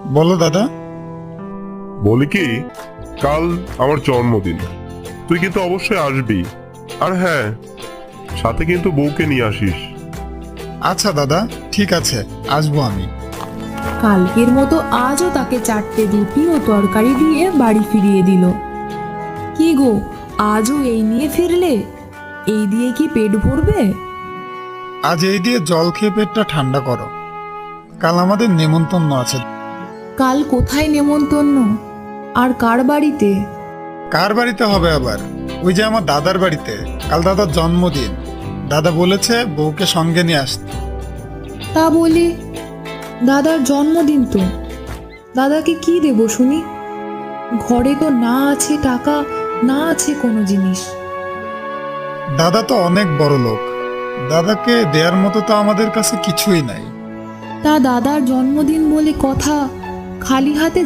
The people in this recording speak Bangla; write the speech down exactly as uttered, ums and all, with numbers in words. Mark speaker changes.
Speaker 1: বলো দাদা।
Speaker 2: বলি কি, কাল আমার জন্মদিন, তুই কিন্তু অবশ্যই আসবি। আর হ্যাঁ, সাথে কিন্তু বউকে নিয়ে আসিস।
Speaker 1: আচ্ছা দাদা, ঠিক আছে, আসবো আমি।
Speaker 3: কালকের মতো আজও তাকে চারটে রুটি ও তরকারি দিয়ে বাড়ি ফিরিয়ে দিল। কি গো, আজও এই নিয়ে ফিরলে? এই দিয়ে কি পেট ভরবে?
Speaker 1: আজ এই দিয়ে জল খেয়ে পেটটা ঠান্ডা করো, কাল আমাদের নেমন্তন্ন আছে।
Speaker 3: কাল কোথায় নেমন্তন্ন? আর কার বাড়িতে?
Speaker 1: কার বাড়িতে হবে আবার? ওই যে আমার দাদার বাড়িতে, কাল দাদার জন্মদিন। দাদা বলেছে বউকে সঙ্গে নিয়ে আসতে।
Speaker 3: তা বলি, দাদার জন্মদিন তো, দাদাকে কি দেব শুনি? ঘরে তো না আছে টাকা, না আছে কোনো জিনিস।
Speaker 1: দাদা তো অনেক বড় লোক, দাদাকে দেওয়ার মতো তো আমাদের কাছে কিছুই নাই।
Speaker 3: তা দাদার জন্মদিন বলে কথা, খালি হাতে